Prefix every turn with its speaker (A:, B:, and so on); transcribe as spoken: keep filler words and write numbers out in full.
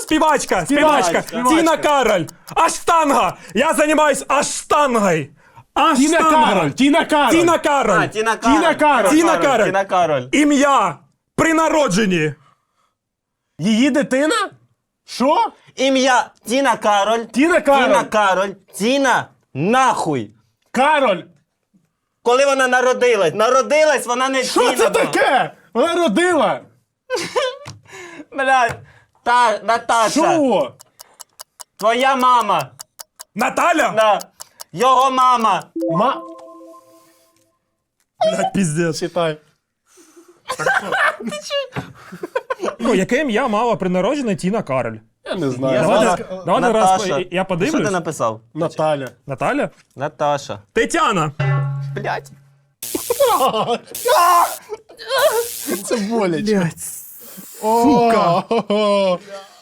A: Співачка, співачка,
B: Співачка.
A: Тіна Кароль. Аштанга. Я займаюсь аштангой.
B: Тіна
A: Аштанга.
B: Кароль, Тіна Кароль.
A: Тіна Кароль.
C: А, Тіна Кароль.
B: Тіна Кароль.
A: Тіна Кароль.
C: Тіна Кароль.
A: Ім'я при народженні.
B: Її дитина? Що?
C: Ім'я Тіна Кароль.
B: Тіна Кароль.
C: Тіна Кароль. Тіна нахуй.
B: Кароль.
C: Коли вона народилась. Народилась, вона не
B: Що
C: Тіна
B: це
C: була.
B: таке? Вона родила.
C: Блядь. Та, Наташа.
B: Що?
C: Твоя мама.
A: Наталя?
C: Да. Його мама.
B: Ма...
A: Блядь, піздець.
B: Читай.
A: Ну, яке ім'я мала при народженні Тіна Кароль?
B: Я не знаю.
C: Я
A: Давайте,
C: знаю.
A: давайте раз,
C: Наташа.
A: я- я
C: Що ти
A: подивлюсь.
C: написав?
B: Наталя.
A: Наталя?
C: Наташа.
A: Тетяна.
C: Блядь.
B: Це боляче.
A: Блядь.
B: Сука.